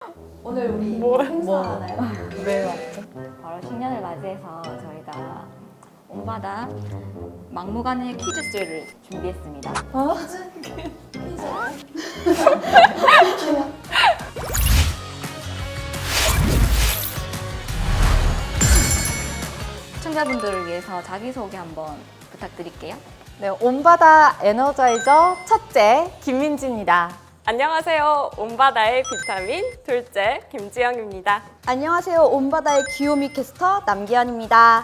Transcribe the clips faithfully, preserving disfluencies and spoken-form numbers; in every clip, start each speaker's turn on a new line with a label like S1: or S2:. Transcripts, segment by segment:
S1: 오늘 우리
S2: 뭐,
S1: 행사하나요?
S2: 왜 왔죠?
S3: 바로 신년을 맞이해서 저희가 온바다 막무가내 퀴즈쇼를 준비했습니다.
S1: 어? 퀴즈?
S3: 시청자분들을 위해서 자기소개 한번 부탁드릴게요.
S2: 네, 온바다 에너자이저 첫째 김민지입니다.
S4: 안녕하세요. 온바다의 비타민 둘째 김지영입니다.
S5: 안녕하세요. 온바다의 귀요미 캐스터 남기현입니다.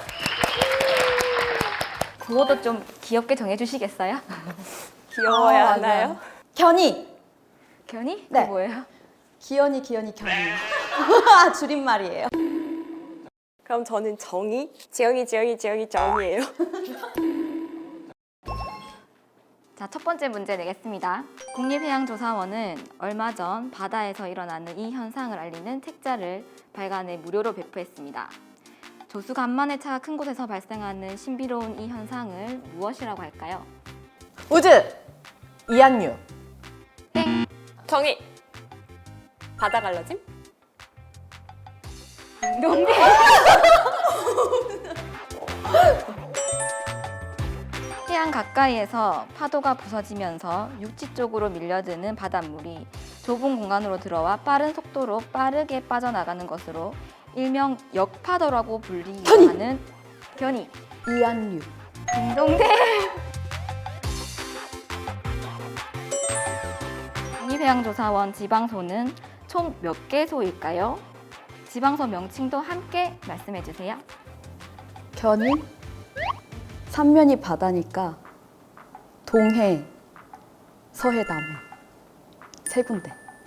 S3: 구호도 좀 귀엽게 정해주시겠어요?
S4: 귀여워야
S5: 아,
S4: 하나요?
S5: 맞아요. 견이.
S3: 견이?
S5: 네.
S3: 그게 뭐예요?
S5: 기현이 기현이 견이. 줄임말이에요.
S4: 그럼 저는 정이, 지영이, 지영이, 지영이, 정이에요.
S3: 자, 첫 번째 문제 내겠습니다. 국립해양조사원은 얼마 전 바다에서 일어나는 이 현상을 알리는 책자를 발간해 무료로 배포했습니다. 조수 간만의 차가 큰 곳에서 발생하는 신비로운 이 현상을 무엇이라고 할까요?
S2: 우즈 이한유.
S4: 정이, 바다 갈라짐?
S3: 농대. 해안 가까이에서 파도가 부서지면서 육지 쪽으로 밀려드는 바닷물이 좁은 공간으로 들어와 빠른 속도로 빠르게 빠져나가는 것으로 일명 역파도라고 불리기도
S5: 견이!
S3: 하는 견이.
S5: 이한류.
S3: 딩동대. 국립해양조사원 지방소는 총 몇 개소일까요? 지방소 명칭도 함께 말씀해 주세요.
S5: 견이. 삼면이 바다니까 동해, 서해, 남해. 세 군데.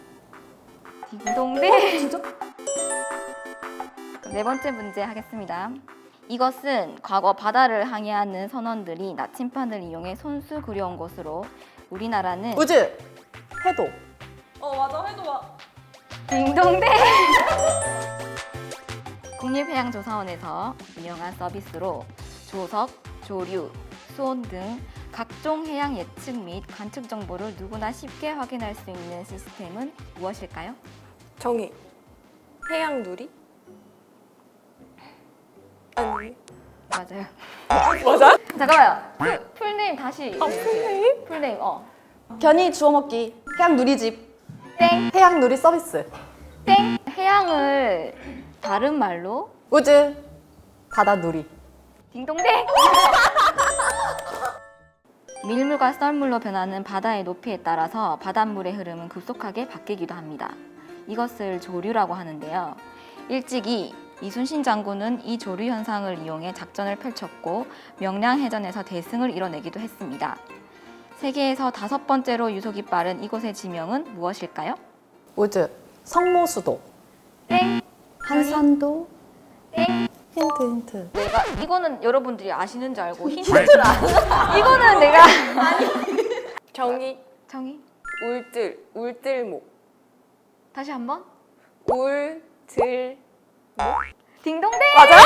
S3: 딩동대. 진짜? 네 번째 문제 하겠습니다. 이것은 과거 바다를 항해하는 선원들이 나침판을 이용해 손수 그려온 것으로 우리나라는
S2: 우즈 해도.
S4: 어 맞아, 해도 와.
S3: 딩동대. 국립해양조사원에서 운영한 서비스로 조석, 조류, 수온 등 각종 해양 예측 및 관측 정보를 누구나 쉽게 확인할 수 있는 시스템은 무엇일까요?
S4: 정이, 해양 누리? 아니,
S3: 맞아요.
S4: 맞아?
S3: 잠깐만요. 풀, 풀네임 다시.
S4: 아, 풀네임?
S3: 풀네임, 어.
S5: 견이 주워 먹기. 해양 누리집.
S3: 땡,
S2: 해양 누리 서비스.
S3: 땡. 해양을 다른 말로
S2: 우즈 바다 누리.
S3: 딩동댕! 밀물과 썰물로 변하는 바다의 높이에 따라서 바닷물의 흐름은 급속하게 바뀌기도 합니다. 이것을 조류라고 하는데요. 일찍이 이순신 장군은 이 조류 현상을 이용해 작전을 펼쳤고 명량해전에서 대승을 이뤄내기도 했습니다. 세계에서 다섯 번째로 유속이 빠른 이곳의 지명은 무엇일까요?
S2: 우즈 성모수도.
S3: 땡!
S5: 한산도.
S3: 땡!
S2: 힌트 힌트.
S3: 내가 이거는 여러분들이 아시는 줄 알고 힌트를 안 이거는 내가
S4: 정이,
S3: 정이
S4: 울들, 울들목.
S3: 다시 한번
S4: 울들.
S3: 딩동댕!
S4: 맞아?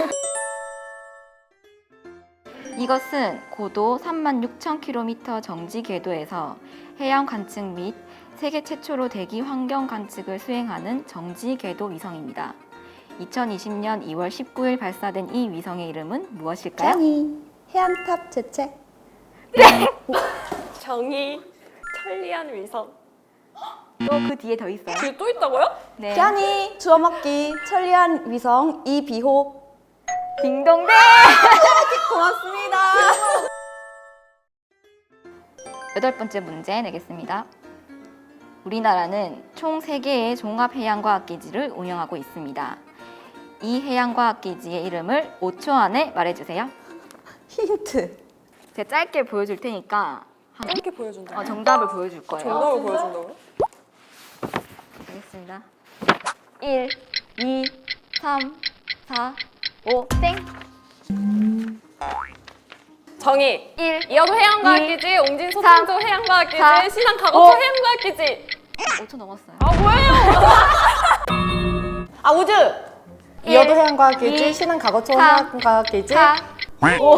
S3: 이것은 고도 삼만 육천 킬로미터 정지 궤도에서 해양 관측 및 세계 최초로 대기 환경 관측을 수행하는 정지 궤도 위성입니다. 이천이십 년 이월 십구일 발사된 이 위성의 이름은 무엇일까요?
S5: 견이. 해안탑 재채.
S4: 정이, 천리안 위성.
S3: 또 그 뒤에 더 있어요.
S4: 그게 또 있다고요?
S3: 네.
S5: 견이 주워 먹기. 천리안 위성 이비호.
S3: 딩동댕!
S5: 고맙습니다.
S3: 여덟 번째 문제 내겠습니다. 우리나라는 총 세 개의 종합해양과학기지를 운영하고 있습니다. 이 해양과학기지의 이름을 오 초 안에 말해주세요.
S5: 힌트.
S3: 제가 짧게 보여줄 테니까 한-
S4: 이렇게 보여준다.
S3: 어, 정답을 보여줄 거예요.
S4: 정답을 보여준다고요?
S3: 알겠습니다. 일, 이, 삼, 사, 오, 땡!
S4: 정이,
S3: 일,
S4: 이어도 해양과학기지, 옹진
S3: 삼,
S4: 소창조 해양과학기지,
S3: 사,
S4: 신안
S3: 오.
S4: 가거초 해양과학기지.
S3: 오 초 넘었어요.
S4: 아 뭐예요?
S2: 아 우즈
S3: 일,
S2: 이어도 해양과학기지.
S3: 이,
S2: 신안 가거초
S3: 삼,
S2: 해양과학기지.
S3: 사, 오,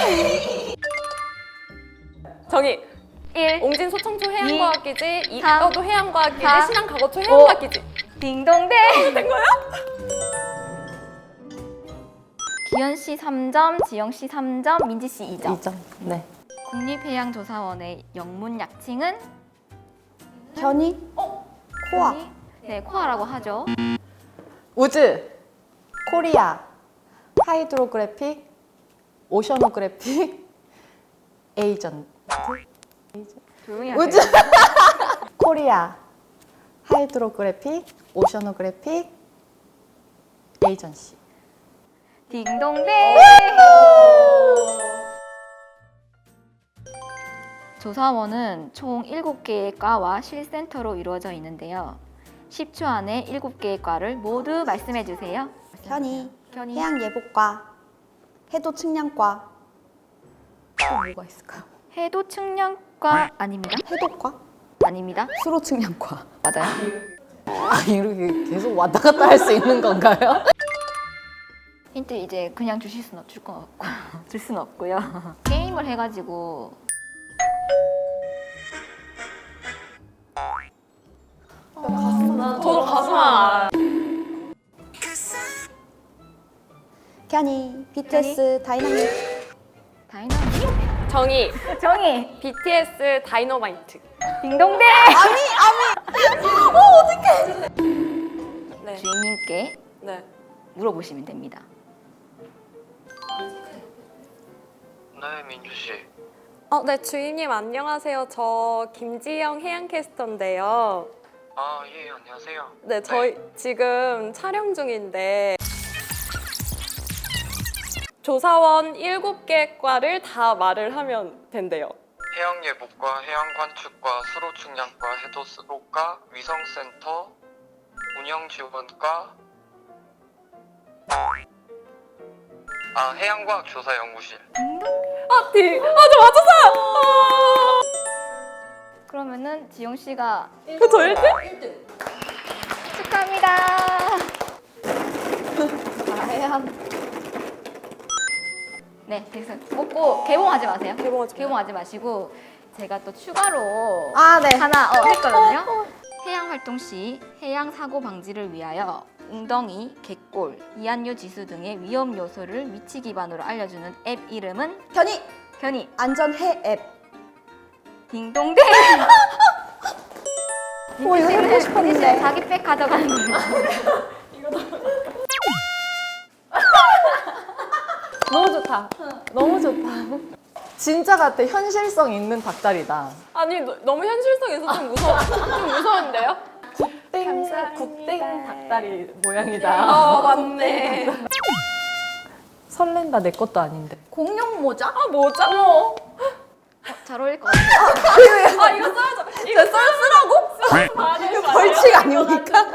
S4: 정이,
S3: 일,
S4: 옹진 소창조 해양과학기지,
S3: 삼,
S4: 이어도 해양과학기지,
S3: 사,
S4: 신안 가거초 해양과학기지.
S3: 딩동댕. 된 거야? 기현 씨 삼 점, 지영 씨 삼 점, 민지 씨 이 점.
S2: 이 점. 네.
S3: 국립해양조사원의 영문 약칭은
S5: 견이. 코아.
S3: 네, 코아라고 하죠.
S2: 우즈, 코리아, 하이드로그래픽, 오셔노그래픽, 에이전트.
S3: 조용히 하세요.
S2: 우즈, 코리아, 하이드로그래픽, 오셔노그래픽, 에이전시.
S3: 딩동댕. 조사원은 총 일곱 개의 과와 실센터로 이루어져 있는데요. 십 초 안에 일곱 개의 과를 모두 말씀해 주세요.
S5: 견이.
S3: 견이.
S5: 해양예보과. 해도측량과.
S2: 또 뭐가 있을까요?
S3: 해도 측량과 아닙니다.
S5: 해독과.
S3: 아닙니다.
S5: 수로측량과.
S3: 맞아요.
S2: 아, 이렇게 계속 왔다 갔다 할 수 있는 건가요?
S3: 힌트 이제 그냥 주실 수는 없, 줄 건 없고 줄 수는 없고요. 게임을 해가지고
S4: 저도 가수만.
S5: 견이. 비티에스 다이나믹.
S3: 다이나믹.
S4: 정희.
S3: 정희.
S4: 비티에스 다이너마이트.
S3: 딩동댕.
S4: 네.
S3: 주인님께
S4: 네.
S3: 물어보시면 됩니다.
S6: 네, 민주 씨.
S4: 어, 네, 주인님 안녕하세요. 저 김지영 해양캐스터인데요.
S6: 아, 예, 안녕하세요.
S4: 네, 저희 지금 촬영 중인데 조사원 일곱 개 과를 다 말을 하면 된대요.
S6: 해양예보과, 해양관측과, 수로측량과, 해도수로과, 위성센터, 운영지원과, 아, 해양과학조사연구실.
S4: 아, 디, 아, 저 맞췄어요! 아,
S3: 그러면은 지영 씨가
S4: 저 일 등?
S3: 축하합니다.
S2: 해양.
S3: 네, 됐어요. 먹고 개봉하지 마세요.
S4: 개봉하지 마요.
S3: 개봉하지 마시고 제가 또 추가로
S2: 아, 네.
S3: 하나 어, 했거든요. 해양 활동 시 해양 사고 방지를 위하여 웅덩이, 갯골, 이안류 지수 등의 위험 요소를 위치 기반으로 알려주는 앱 이름은
S5: 견이.
S3: 견이
S5: 안전해 앱.
S3: 딩동댕.
S5: 오, 이거 해보고 싶었는데.
S3: 자기 백 가져가는 걸로.
S2: 너무 좋다. 너무 좋다. 진짜 같아. 현실성 있는 닭다리다.
S4: 아니, 너, 너무 현실성 있어서 좀 무서워. 좀 무서운데요?
S2: 땡, 국땡 닭다리 모양이다.
S4: 아, 맞네.
S2: 설렌다. 내 것도 아닌데.
S5: 공룡 모자.
S4: 아, 뭐죠?
S3: 잘 어울릴 것 같아요.
S4: 아, 이거 써야죠. 이거 써야 쓰라고? 아, 네, 맞아요.
S2: 벌칙 아닙니까?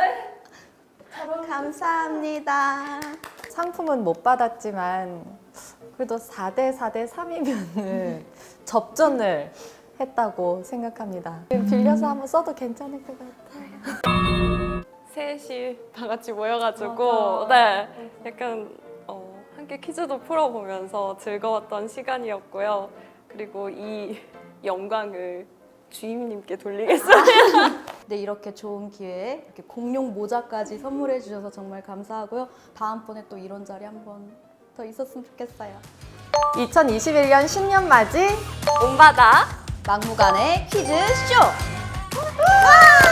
S5: 감사합니다.
S2: 상품은 못 받았지만 그래도 사 대 사 대 삼이면은 접전을 했다고 생각합니다. 빌려서 한번 써도 괜찮을 것 같아요.
S4: 셋이 다 같이 모여가지고 네 약간 어, 함께 퀴즈도 풀어보면서 즐거웠던 시간이었고요. 그리고 이 영광을 주임님께 돌리겠습니다.
S5: 네, 이렇게 좋은 기회에 이렇게 공룡 모자까지 선물해 주셔서 정말 감사하고요. 다음번에 또 이런 자리 한번 더 있었으면 좋겠어요.
S2: 이천이십일 년 신년 맞이
S4: 온바다
S5: 막무가내 퀴즈 쇼!